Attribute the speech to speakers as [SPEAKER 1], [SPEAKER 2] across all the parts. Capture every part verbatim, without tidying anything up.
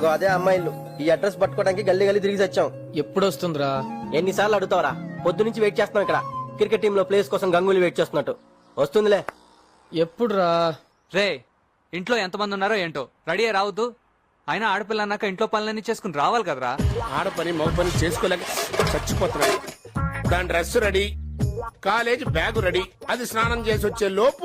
[SPEAKER 1] అదే అమ్మాయిలు. ఈ అడ్రస్ పట్టుకోవడానికి గల్లీ గల్లీ తిరిగి వచ్చాం.
[SPEAKER 2] ఎప్పుడు వస్తుందిరా?
[SPEAKER 1] ఎన్నిసార్లు అడుగుతావరా? పొద్దు నుంచి వెయిట్ చేస్తున్నాం ఇక్కడ. క్రికెట్ టీమ్ లో ప్లేస్ కోసం గంగూలీ వెయిట్ చేస్తున్నట్టు. వస్తుందిలే.
[SPEAKER 2] ఎప్పుడు రా?
[SPEAKER 3] రే ఇంట్లో ఎంతమంది ఉన్నారో ఏంటో రెడీ రావద్దు. అయినా ఆడపిల్ల అన్నాక ఇంట్లో పనులన్నీ చేసుకుని రావాలి కదరా.
[SPEAKER 4] ఆడపని మగ పని చేసుకోలేక చచ్చిపోతున్నాడు. దాని dress ready, college bag ready. అది స్నానం చేసి వచ్చే లోపు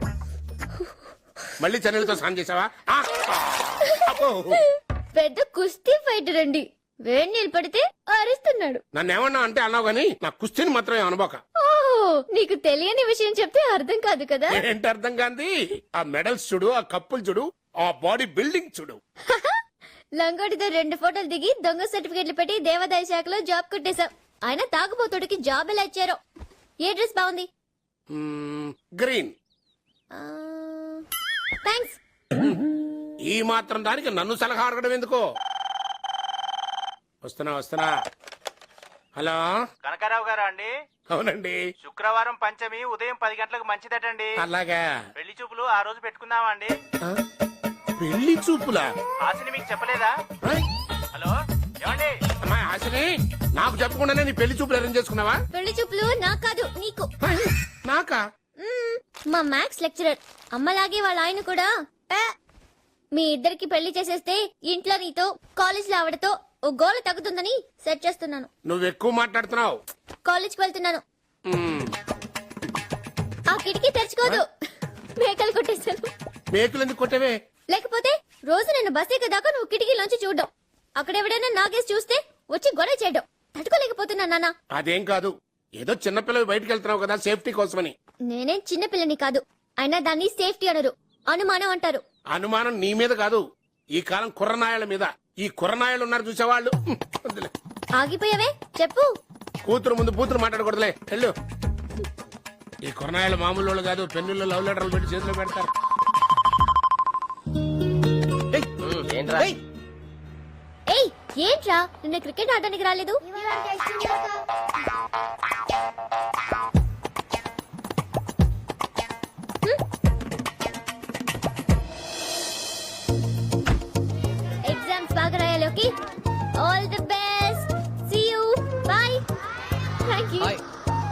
[SPEAKER 4] మళ్ళీ చన్నీళ్ళతో స్నానం చేసావా? ఆ! అబ్బో!
[SPEAKER 5] పెద్ద కుస్తీ ఫైటర్ అండి. వేడి నీళ్ళు పడితే అరుస్తున్నాడు.
[SPEAKER 4] నన్ను ఏమన్నా అంటే అన్నావు గానీ నా కుస్తీని మాత్రం అనుభవ.
[SPEAKER 5] ఓ నీకు తెలియని విషయం చెప్తే అర్థం కాదు కదా.
[SPEAKER 4] ఏంటి అర్థం కాంది? ఆ మెడల్స్ చూడు, ఆ కప్పులు చూడు, ఆ బాడీ బిల్డింగ్ చూడు.
[SPEAKER 5] లంగోటితో రెండు ఫోటోలు దిగి దొంగ సర్టిఫికెట్లు పెట్టి దేవాదాయ శాఖలో జాబ్ కొట్టేశాం. ఆయన తాగుబోతుడికి జాబ్ ఎలా ఇచ్చారో. ఏ డ్రెస్ బాగుంది?
[SPEAKER 4] మ్మ్, గ్రీన్.
[SPEAKER 5] థ్యాంక్స్.
[SPEAKER 4] ఈ మాత్రం దానికి నన్ను సలహా అడగడం ఎందుకో. వస్తున్నా వస్తున్నా. హలో
[SPEAKER 6] కనకారావు గారా అండి?
[SPEAKER 4] అవునండి.
[SPEAKER 6] శుక్రవారం పంచమి ఉదయం పది గంటలకు మంచిదటండి.
[SPEAKER 4] అలాగా.
[SPEAKER 6] పెళ్లి చూపులు ఆ రోజు పెట్టుకుందామా అండి?
[SPEAKER 4] ఆ? పెళ్లి చూపులా?
[SPEAKER 6] హాసిని మీకు చెప్పలేదా?
[SPEAKER 4] ఆ?
[SPEAKER 6] హలో ఏమండి?
[SPEAKER 4] అమ్మాయి హాసిని, నాకు చెప్పకుండానే నీ పెళ్లి చూపులు అరేంజ్ చేసుకున్నావా?
[SPEAKER 5] పెళ్లి చూపులు నాకు కాదు నీకు.
[SPEAKER 4] ఆ? నాకా?
[SPEAKER 5] మ్మ్, మా మ్యాథ్స్ లెక్చరర్ అమ్మలాగే వాళ్ళ ఆయన కూడా "ఆ, మీ ఇద్దరికి పెళ్లి చేసేస్తే ఇంట్లో నీతో కాలేజ్ లో ఆవిడతో ఓ గోల తగ్గుతుందని సెట్ చేస్తున్నాను.
[SPEAKER 4] నువ్వు ఎక్కువ మాట్లాడుతున్నావు.
[SPEAKER 5] కాలేజ్కి వెళ్తున్నాను.
[SPEAKER 4] మ్మ్.
[SPEAKER 5] ఆ కిటికీ తెరుచుకోదు. మేకలు కొట్టేశాను.
[SPEAKER 4] మేకులు ఎందుకు కొట్టవే?
[SPEAKER 5] లేకపోతే రోజు నేను బస్ ఎక్కదాకా నువ్వు కిటికీలోంచి చూడడం, అక్కడ ఎవడైనా నాగేసి చూస్తే వచ్చి గొడవ చేయడం తట్టుకోలేకపోతున్నా నాన్న.
[SPEAKER 4] అదేం కాదు, ఏదో చిన్నపిల్లలు బయటకు వెళ్తున్నావు కదా సేఫ్టీ కోసమని.
[SPEAKER 5] నేనేం చిన్నపిల్లని కాదు. అయినా దాన్ని సేఫ్టీ అనరు, అనుమానం అంటారు.
[SPEAKER 4] అనుమానం నీ మీద కాదు, ఈ కాలం కుర్రనాయల మీద. ఈ కుర్రనాయలు ఉన్నారు చూసేవాళ్ళు. వద్దులే.
[SPEAKER 5] ఆగిపోయావే చెప్పు.
[SPEAKER 4] కూతురు ముందు కూతురు మాట్లాడకూడదులే, వెళ్ళు. ఈ కుర్రనాయలు మామూలు వాళ్ళు కాదు, పెన్నుల్లో లవ్ లెటర్లు పెట్టి చేతిలో పెడతారు.
[SPEAKER 1] ఏంట్రా?
[SPEAKER 5] ఏయ్ ఏంట్రా, నిన్న క్రికెట్ ఆడడానికి రాలేదు? ఎగ్జామ్స్ బాగా రాయాలి. Okay, all the best. See you, bye. Thank you.
[SPEAKER 2] Hi.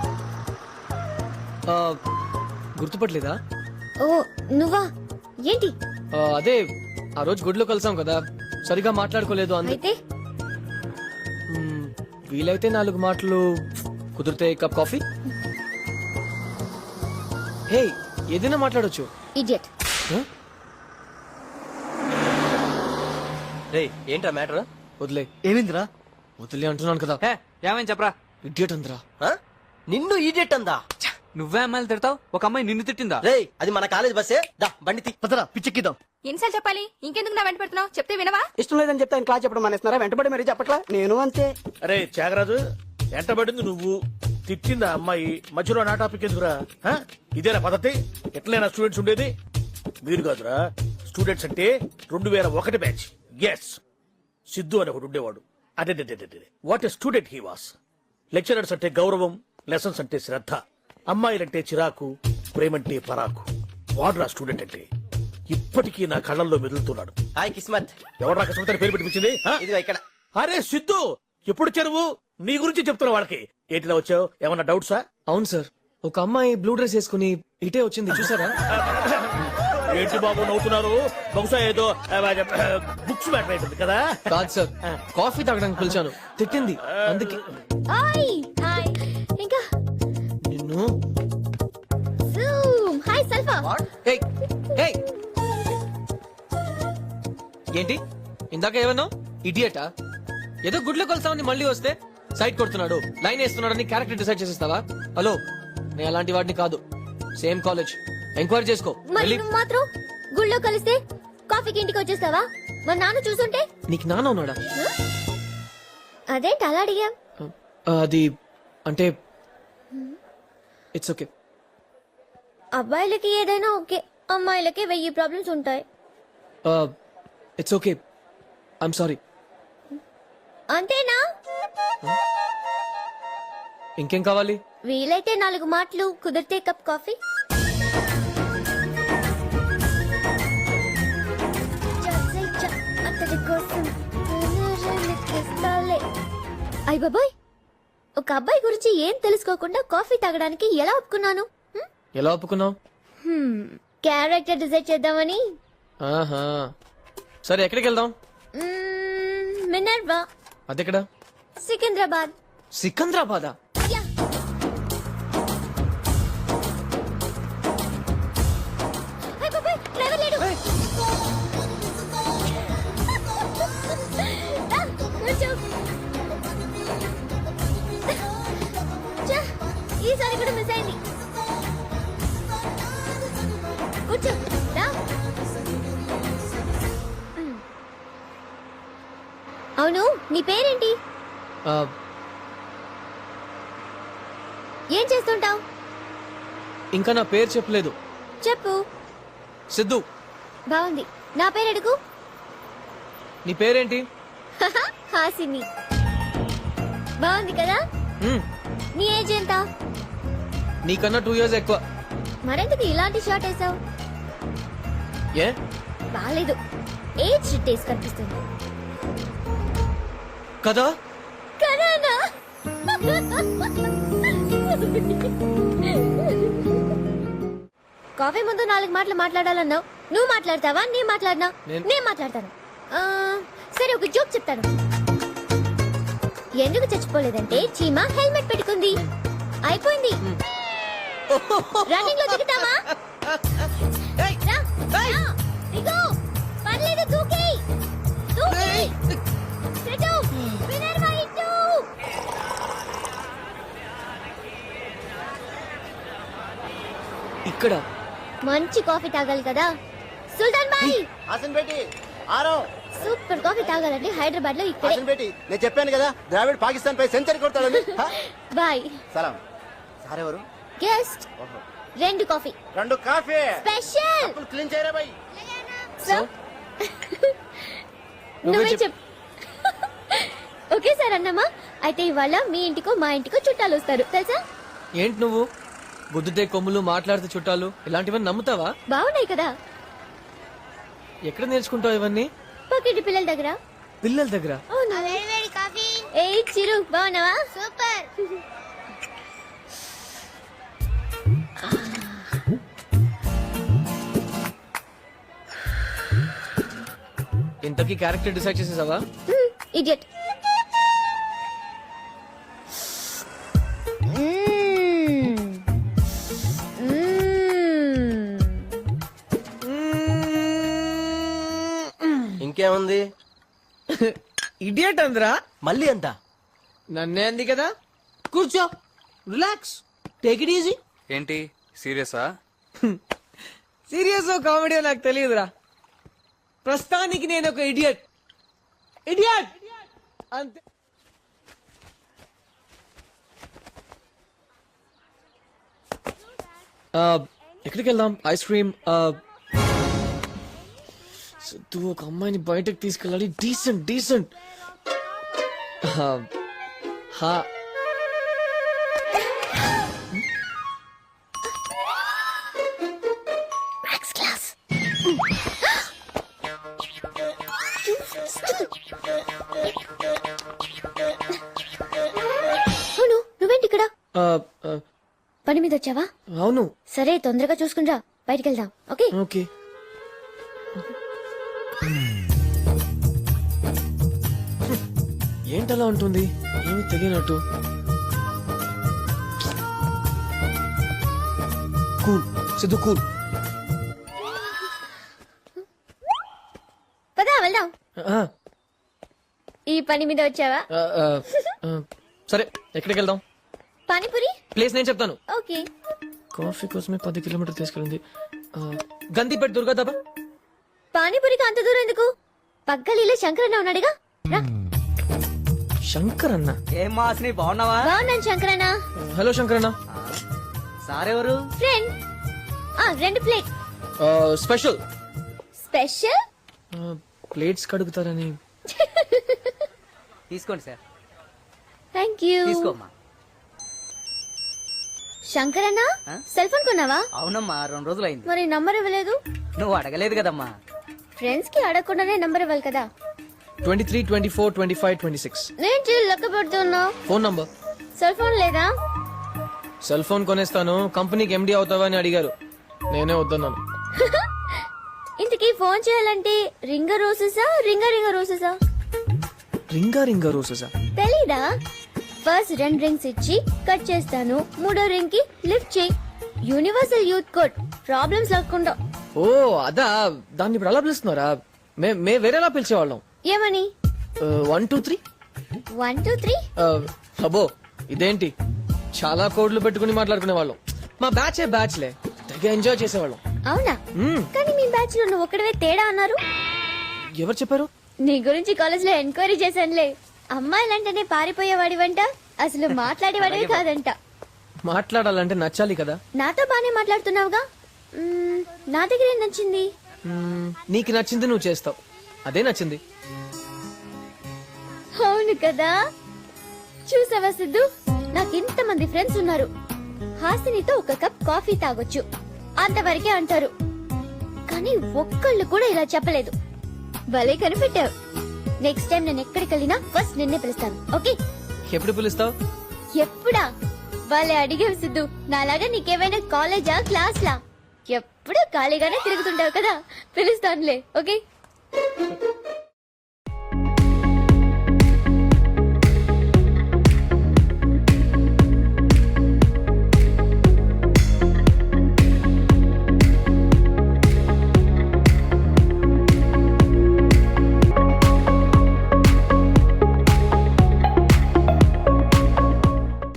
[SPEAKER 2] ఆ, గుర్తుపట్టలేదా?
[SPEAKER 5] ఓ నువ్వా? ఏంటి?
[SPEAKER 2] ఆ, అదే ఆ రోజు గుడిలో కలిసాం కదా, సరిగా మాట్లాడుకోలేదు అందు
[SPEAKER 5] అయితే
[SPEAKER 2] మ్మ్, వీలైతే నాలుగు మాటలు, కుదిరితే కప్ కాఫీ. హే, ఏదైనా మాట్లాడొచ్చు.
[SPEAKER 5] ఇడియట్.
[SPEAKER 1] రేయ్ ఏంట్రా మ్యాటర్?
[SPEAKER 2] వదిలే.
[SPEAKER 1] ఏమిందిరా?
[SPEAKER 2] వదిలే అంటున్నాను కదా.
[SPEAKER 3] హే ఏమైంది చెప్పరా.
[SPEAKER 2] ఇడియట్ అందరా.
[SPEAKER 1] నిన్ను ఈడియట్ అందా?
[SPEAKER 3] నువ్వే అమ్మాయిలు తిడతావు, ఒక అమ్మాయి నిన్ను తిట్టిందా?
[SPEAKER 1] రేయ్ అది మన కాలేజ్ బస్సే. దా బండి తీ. పదరా పిచ్చెక్కిద్దాం.
[SPEAKER 7] ఎన్నిసార్లు చెప్పాలి? ఇంకెందుకు నా వెంట పెడుతున్నావు? చెప్తే వినవా?
[SPEAKER 8] ఇష్టం లేదని చెప్తే ఆయన క్లాస్ చెప్పడం మానేస్తున్నారా? వెంటబడి మరీ చెప్పట్లా. నేను అంతే.
[SPEAKER 9] అరే త్యాగరాజు, ఎంటబడింది నువ్వు, తిట్టిందా అమ్మాయి, మధ్యలో నా టాపిక్ ఎందుకురా? హ? ఇదేనా పద్ధతి? ఎట్లైనా స్టూడెంట్స్ ఉండేది? మీరు కాదురా, స్టూడెంట్స్ అంటే రెండు వేల ఒకటి బ్యాచ్. ఎస్, సిద్ధు అని ఒకడు ఉండేవాడు. అదే what a student he was. Lecturers అంటే గౌరవం, లెసన్స్ అంటే శ్రద్ధ, అమ్మాయిలంటే చిరాకు, ప్రేమంటే పరాకు. వాడురా స్టూడెంట్ అంటే. ఇప్పటికీ నా కళ్ళల్లో మెదులుతున్నాడు.
[SPEAKER 1] హాయ్ కిస్మత్.
[SPEAKER 9] ఎవరు కష్టపడతారు పేరు పెట్టించింది?
[SPEAKER 1] ఇదిగో ఇక్కడ.
[SPEAKER 9] అరే సిద్ధు, ఎప్పుడు చెరువు నీ గురించి చెప్తున్నా వాళ్ళకి. ఏంటిలా వచ్చావు? ఏమన్నా డౌట్సా?
[SPEAKER 2] అవును సార్, ఒక అమ్మాయి బ్లూ డ్రెస్ వేసుకుని ఇటే వచ్చింది, చూసారా?
[SPEAKER 9] ఏంటి బాబు నవ్వుతున్నారు? బహుశా ఏదో బుక్స్ మ్యాటర్ అవుతుంది కదా.
[SPEAKER 2] కాదు సార్, కాఫీ తాగడానికి పిలిచాను, తిట్టింది అందుకే.
[SPEAKER 5] Hi hi. ఇంకా
[SPEAKER 2] నిన్ను
[SPEAKER 5] జూమ్. Hi sulpha.
[SPEAKER 2] ఏయ్, ఏయ్. ఏంటి ఇందాక ఏమన్నా ఇడియటా? ఏదో గుడ్లో కొలుస్తామని మళ్ళీ వస్తే సైట్ కొడుతున్నాడు, లైన్ వేస్తున్నాడని క్యారెక్టర్ డిసైడ్ చేసేస్తావా? హలో, నేను అలాంటి వాడిని కాదు. సేమ్ కాలేజ్, ఎంక్వైరీ చేసుకో.
[SPEAKER 5] మరి
[SPEAKER 2] వెళ్ళి-
[SPEAKER 5] నువ్వు మాత్రం గుళ్ళో కలిస్తే కాఫీకి ఇంటికి వచ్చేస్తావా? మరి నాన్న చూసుంటే?
[SPEAKER 2] నీకు నాన్న ఉన్నాడా?
[SPEAKER 5] అదేంటి అలా అడిగా?
[SPEAKER 2] అది అంటే ఇట్స్ ఓకే.
[SPEAKER 5] అబ్బాయిలకి ఏదైనా ఓకే, అమ్మాయిలకి వెయ్యి ప్రాబ్లమ్స్ ఉంటాయి.
[SPEAKER 2] It's okay, I'm sorry.
[SPEAKER 5] అంతేనా?
[SPEAKER 2] ఇంకేం కావాలి?
[SPEAKER 5] వీలైతే నాలుగు మాటలు, కుదిరితే కప్ కాఫీ. అతడి కోసం వస్తాలే. అయ్ బాబాయ్, ఒక అబ్బాయి గురించి ఏం తెలుసుకోకుండా కాఫీ తాగడానికి ఎలా ఒప్పుకున్నాను? హ్మ్?
[SPEAKER 2] ఎలా ఒప్పుకున్నావు?
[SPEAKER 5] హ్మ్, క్యారెక్టర్ డిసైడ్ చేద్దామని.
[SPEAKER 2] ఆహా, సరే ఎక్కడికి వెళ్దాం?
[SPEAKER 5] మ్మ్, మినర్వా,
[SPEAKER 2] అదెక్కడ?
[SPEAKER 5] సికింద్రాబాద్.
[SPEAKER 2] సికంద్రాబాదా?
[SPEAKER 5] యా. అయ్ బాబాయ్, డ్రైవర్ లేడు. రా, కూర్చో. ఛ, ఈసారి కూడా మిస్ అయింది. కూర్చో, రా. మ్మ్. అవును, నీ పేరేంటి?
[SPEAKER 2] ఆ,
[SPEAKER 5] ఏం చేస్తుంటావు?
[SPEAKER 2] ఇంకా నా పేరు చెప్పలేదు.
[SPEAKER 5] చెప్పు.
[SPEAKER 2] సిద్ధు.
[SPEAKER 5] బాగుంది. నా పేరు అడుగు.
[SPEAKER 2] నీ పేరేంటి?
[SPEAKER 5] హాసిని. బాగుంది కదా?
[SPEAKER 2] మ్మ్,
[SPEAKER 5] నీ ఏజ్ ఎంత?
[SPEAKER 2] నీకన్నా టూ ఇయర్స్ ఎక్కువ.
[SPEAKER 5] మరెందుకు ఇలాంటి షార్ట్ వేసావు?
[SPEAKER 2] ఏ?
[SPEAKER 5] బాలేదు, ఏజ్ టేస్ట్ కనిపిస్తుంది
[SPEAKER 2] కదా?
[SPEAKER 5] కరానా? కాఫీ ముందు నాలుగు మాటలు మాట్లాడాలన్నావు. నువ్వు మాట్లాడతావా నేను మాట్లాడినా?
[SPEAKER 2] నేను-
[SPEAKER 5] నేను మాట్లాడతాను. ఆ, సరే, ఒక జోక్ చెప్తాను. ఎందుకు చచ్చిపోలేదంటే చీమ హెల్మెట్ పెట్టుకుంది. అయిపోయింది. రన్నింగ్ లో దిగుతామా? రా, రా, దిగు. పర్లేదు, దూకేయ్. దూకేయ్. సెటు, మినర్వా ఇటు.
[SPEAKER 2] ఇక్కడ
[SPEAKER 5] మంచి కాఫీ తాగాలి కదా సుల్తాన్ బాయ్.
[SPEAKER 8] హాసన్ బేటి ఆరో.
[SPEAKER 5] సూపర్ కాఫీ తాగాలంటే హైదరాబాద్ లో ఇక్కడే.
[SPEAKER 8] హాసన్ బేటి నేను చెప్పాను కదా ద్రావిడ్ పాకిస్తాన్ పై సెంచరీ కొడతాడని. హ?
[SPEAKER 5] బాయ్.
[SPEAKER 8] సలాం. సార్ ఎవరు?
[SPEAKER 5] గెస్ట్. రెండు కాఫీ
[SPEAKER 8] రెండు కాఫీ
[SPEAKER 5] స్పెషల్.
[SPEAKER 8] క్లీన్ చేయరా బాయ్.
[SPEAKER 5] సో
[SPEAKER 2] నువ్వే
[SPEAKER 5] నువ్వే
[SPEAKER 2] చెప్.
[SPEAKER 5] చెప్. ఓకే సార్ అన్నమా. అయితే ఇవాళ మీ ఇంటికో మా ఇంటికో చుట్టాలు వస్తారు తెలుసా?
[SPEAKER 2] ఏంటి నువ్వు గుద్దుతే కొమ్ములు మాట్లాడితే చుట్టాలు ఇలాంటివన్నీ నమ్ముతావా?
[SPEAKER 5] బాగున్నాయి కదా?
[SPEAKER 2] ఎక్కడ నేర్చుకుంటావు ఇవన్నీ?
[SPEAKER 5] పక్కింటి పిల్లల దగ్గర.
[SPEAKER 2] పిల్లల దగ్గర?
[SPEAKER 5] అవును. ఏ చిరు, బాగున్నావా? సూపర్.
[SPEAKER 2] ఇంతకీ క్యారెక్టర్ డిసైడ్ చేసేసావా?
[SPEAKER 5] ఇడియట్.
[SPEAKER 1] ఇంకేముంది?
[SPEAKER 2] ఇడియట్ అందరా?
[SPEAKER 1] మళ్ళీ ఎంత?
[SPEAKER 2] నన్నే అంది కదా. కూర్చో, రిలాక్స్, టేక్ ఇట్ ఈజీ.
[SPEAKER 3] ఏంటి సీరియసా?
[SPEAKER 2] సీరియస్ కామెడీ నాకు తెలియదురా. ప్రస్తుతానికి నేను ఒక ఇడియట్. ఇడియట్ అంతే. ఆ, ఎక్కడికి వెళ్దాం? Ice cream. సిద్ధు, ఒక అమ్మాయిని బయటకు తీసుకెళ్ళాలి. Decent decent. హా,
[SPEAKER 5] అవును, నువ్వేంటి ఇక్కడ?
[SPEAKER 2] ఆ, ఆ,
[SPEAKER 5] పని మీద వచ్చావా?
[SPEAKER 2] అవును.
[SPEAKER 5] సరే, తొందరగా చూసుకునిరా, బయటికి వెళ్దాం. ఓకే?
[SPEAKER 2] ఓకే. ఏంటలా ఉంటుంది? ఏమి తెలియనట్టు. Cool Siddhu, cool.
[SPEAKER 5] పదా వెళ్దాం.
[SPEAKER 2] ఆ,
[SPEAKER 5] ఈ పని మీద వచ్చావా?
[SPEAKER 2] ఆ, ఆ, ఆ, సరే ఎక్కడికి వెళ్దాం?
[SPEAKER 5] పానీపూరి.
[SPEAKER 2] ప్లేస్ నేను చెప్తాను.
[SPEAKER 5] ఓకే.
[SPEAKER 2] కాఫీ కోసమే పది కిలోమీటర్ తీసుకెళ్ళింది. ఆ, గందిపేట దుర్గా దాబా.
[SPEAKER 5] పానీపూరికి అంత దూరం ఎందుకు? పక్కలీలో శంకరన్న ఉన్నాడుగా, రా.
[SPEAKER 2] శంకర్ అన్న?
[SPEAKER 8] ఏం మాస్ని బాగున్నావా?
[SPEAKER 5] బాగున్నాను శంకరన్న.
[SPEAKER 2] హలో శంకర్ అన్న.
[SPEAKER 8] సారెవరు?
[SPEAKER 5] ఫ్రెండ్. ఆ, రెండు ప్లేట్
[SPEAKER 2] ఆ, స్పెషల్.
[SPEAKER 5] స్పెషల్.
[SPEAKER 2] ఆ, ప్లేట్స్ కడుగుతారని.
[SPEAKER 8] తీసుకోండి సార్.
[SPEAKER 5] Thank you.
[SPEAKER 8] తీసుకోమ్మా.
[SPEAKER 5] శంకరన్న, సెల్ ఫోన్ కొన్నావా?
[SPEAKER 8] అవునమ్మా, రెండు రోజులు అయింది.
[SPEAKER 5] మరి నంబర్ ఇవ్వలేదు?
[SPEAKER 8] నువ్వు అడగలేదు కదమ్మా.
[SPEAKER 5] ఫ్రెండ్స్ కి అడగకుండానే నంబర్ ఇవ్వాలి కదా.
[SPEAKER 2] Twenty three twenty four twenty five twenty six
[SPEAKER 5] నేను చీలు లెక్క పెడుతున్నా
[SPEAKER 2] ఫోన్ నంబర్.
[SPEAKER 5] సెల్ ఫోన్ లేదా?
[SPEAKER 2] సెల్ ఫోన్ కొనేస్తాను, కంపెనీకి ఎండి అవుతావా అని అడిగారు, నేనే వద్దన్నాను.
[SPEAKER 5] ఇంతకీ ఫోన్ చేయాలంటే రింగ రోసెసా రింగ రింగ రోసెసా?
[SPEAKER 2] రింగా రింగా రోజెసా?
[SPEAKER 5] తెలీదా? ఫస్ట్ రెండు రింగ్స్ ఇచ్చి కట్ చేస్తాను, మూడో రింగ్ కి లిఫ్ట్ చేయి. యూనివర్సల్ యూత్ కోడ్, ప్రాబ్లమ్స్ లేకుండా.
[SPEAKER 2] ఓ అదా, దాన్ని ఇప్పుడు అలా పిలుస్తున్నారా? మే మే వేరేలా పిలిచేవాళ్ళం.
[SPEAKER 5] ఏమని?
[SPEAKER 2] One two three.
[SPEAKER 5] One two three
[SPEAKER 2] అబ్బో ఇదేంటి, చాలా కోడ్లు పెట్టుకుని మాట్లాడుకునే వాళ్ళం. మా బ్యాచ్ బ్యాచ్లే, తెగ ఎంజాయ్ చేసేవాళ్ళం.
[SPEAKER 5] అవునా?
[SPEAKER 2] మ్మ్.
[SPEAKER 5] కానీ మీ బ్యాచ్ లో నువ్వు ఒక్కడవే తేడా అన్నారు.
[SPEAKER 2] ఎవరు చెప్పారు?
[SPEAKER 5] నీ గురించి కాలేజ్ లో ఎంక్వైరీ చేశానులే. అమ్మాయిలంటేనే పారిపోయేవాడి వంట, అసలు మాట్లాడేవాడివి కాదంట.
[SPEAKER 2] మాట్లాడాలంటే నచ్చాలి కదా.
[SPEAKER 5] నాతో బానే మాట్లాడుతున్నావుగా. మ్మ్, నా దగ్గర ఏం నచ్చింది?
[SPEAKER 2] మ్మ్, నీకు నచ్చింది నువ్వు చేస్తావు, అదే నచ్చింది.
[SPEAKER 5] అవును కదా. చూసావా సిద్ధు, నాకు ఇంత మంది ఫ్రెండ్స్ ఉన్నారు. హాసినితో ఒక కప్ కాఫీ తాగొచ్చు, అంతవరకే అంటారు. కానీ ఒక్కళ్ళు కూడా ఇలా చెప్పలేదు. భలే కనిపెట్టావు. నెక్స్ట్ టైం నేను ఎక్కడికి వెళ్ళినా ఫస్ట్ నిన్నే పిలుస్తాను, ఓకే?
[SPEAKER 2] ఎప్పుడు పిలుస్తావు?
[SPEAKER 5] ఎప్పుడా? భలే అడిగావు సిద్ధు. నాలాగా నీకేమైనా కాలేజా క్లాస్ లా? ఎప్పుడు ఖాళీగానే తిరుగుతుంటావు కదా, పిలుస్తానులే, ఓకే?